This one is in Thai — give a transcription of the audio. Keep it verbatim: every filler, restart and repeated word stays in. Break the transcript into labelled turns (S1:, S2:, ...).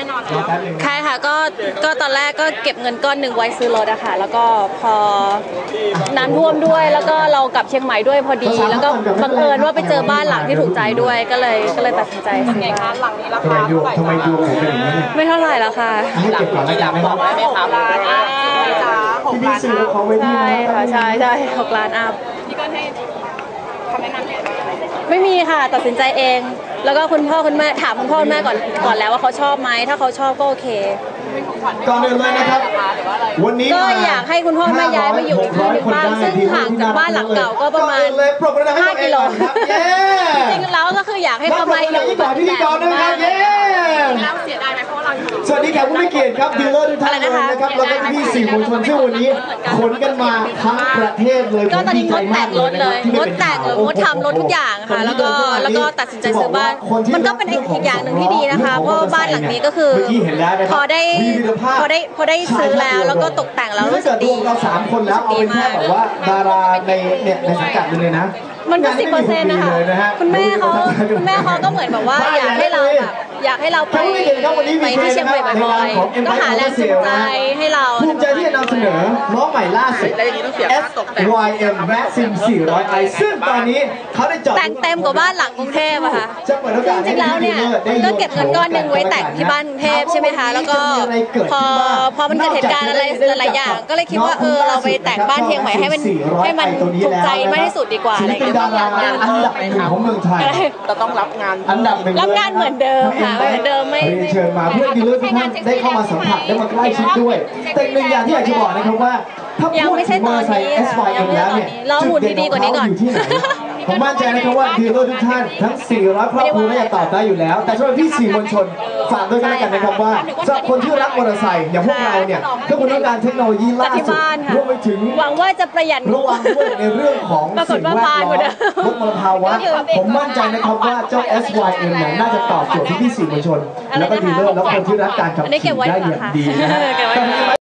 S1: นอน
S2: ใช่ค่ะก็ก็ตอนแรกก็เก็บเงินก้อนหนึ่งไว้ซื้อรถอะค่ะแล้วก็พอน้ำท่วมด้วยแล้วก็เรากลับเชียงใหม่ด้วยพอดีแล้วก็บังเอิญว่าไปเจอบ้านหลังที่ถูกใจด้วยก็เลยก็เลยตัดสินใจซื้อบ้านหลังนี้ราคาเท่าไหร่
S3: ทำไมดูเป็นอย่างนี้
S2: ไม่เท่าไหร่ละค่ะ
S3: ให้เก็บก่อนแล้วกันนะครับ
S1: ไม่ถามร้านอ่ะ
S3: ที่พี่ซื้อเขาไว้ที่
S2: ใช่ค่ะใช่ใช่หกล้านอัพ
S1: พี่ก็ให้คำแนะนำให้
S2: ไม่มีค่ะตัดสินใจเองแล้วก็คุณพ่อคุณแม่ถามคุณพ่อคุณแม่ก่อนก่อนแล้วว่าเขาชอบไหมถ้าเขาชอบก็โอเค
S3: ก่อนอื่นเลยนะครับวันนี้
S2: ก็อยากให้คุณพ่อแม่ย้ายมาอยู่อีกที่หนึ่งบ้างซึ่งห่างจากบ้านหลังเก่าก็ประมาณห้ากิโลจริงๆแล้วก็คืออยากให้เขามาอยู่แบบ
S3: พิธีกรนะครับเย้
S1: แล้วเสียดายไหมเพราะเรา
S3: สวัสดีครับผู้มีเกียรติครับดีลเลอร์ทุกท่านเลยนะครับแล้วก็พี่สื่อมวลชนซึ่งวันนี้ขนกันมาทั้งประเทศเลย
S2: ก็ตอนนี้งดแต่งรถเลยงดแต่งหรืองดทำรถทุกอย่างค่ะแล้วก็แล้วก็ตัดสินใจซื้อบ้านมันก็เป็นอีกอย่างหนึ่งที่ดีนะคะเพราะบ้านหลังนี้ก็คือพอได้พอได้พอได้ซื้อแล้วแล้วก็ตกแต่งแล้วรู้สึกดี
S3: เราสามคนแล้วเอาเป็นแค่แบบว่าดาราในเนี่ยในสังกัดเลยนะ
S2: มันก็สิบเปอร์เซ็นต์นะคะคุณแม่เขาคุณแม่เขาก็เหมือนแบบว่าอยากให้เราแบบอยากให้เราไปไปที่เชียงใหม่บ่อยๆก็หาแรงจูงใจให้เรา
S3: ภูมิใจที่จะนำเสนอล้อใหม่ล่าสุด เอส วาย เอ็ม Maxim สี่ร้อย ไอ ซึ่งตอนนี้เขาได้จอด
S2: แต่งเต็มกว่าบ้านหลังกรุงเทพอะค่ะจริงๆแล้วเนี่ยก็เก็บเงินก้อนหนึ่งไว้แต่งที่บ้านกรุงเทพใช่ไหมคะแล้วก็พอพอมันเกิดเหตุการณ์อะไรหลายๆอย่างก็เลยคิดว่าเออเราไปแต่งบ้านเชียงใหม่ให้มันให้มันถูกใจมากที่สุดดีกว่าอะไรอย่างเงี้ย
S3: อันดับหนึ่งของเมืองไทย
S1: เราต้องรับงาน
S3: อันดับหนึ่ง
S2: รับงานเหมือนเดิมค่ะเหมือนเดิมไม่
S3: เชิญมาเพื่อดีลเลอร์ทุกท่านได้เข้ามาสัมผัสได้มาใกล้ชิดด้วยแต่หนึ่งอย่างที่อยากจะบอกนะครับว่าถ้าพูดถึงมอเตอร์ไซค์ เอส วาย เอ็ม แล้วเนี่ยจุดเด่นของเขาอยู่ที่ไหนผมมั่นใจนะครับว่าดีลเลอร์ทุกท่านทั้งสี่ร้อยครอบครัวน่าจะตอบได้อยู่แล้วแต่สำหรับพี่สื่อมวลชนฝากด้วยกันแล้วกันนะครับว่าสำหรับคนที่รักมอเตอร์ไซค์อย่างพวกเราเนี่ยถ้าคุณต้องการเทคโนโลยีล่าสุดรวมไปถึง
S2: หวังว่าจะประหยัด
S3: ระวังด้วยในเรื่องของสิ่งแวดล้อมลดมลภาวะผมมั่นใจนะครับว่าเจ้า เอส วาย เอ็ม เนี่ยน่าจะตอบโจทย์ที่พี่สื่อมวลชนแล้วก็ดีลเลอร์แล้วคนที่รักการขับขี่ได้อย่างดีนะฮะ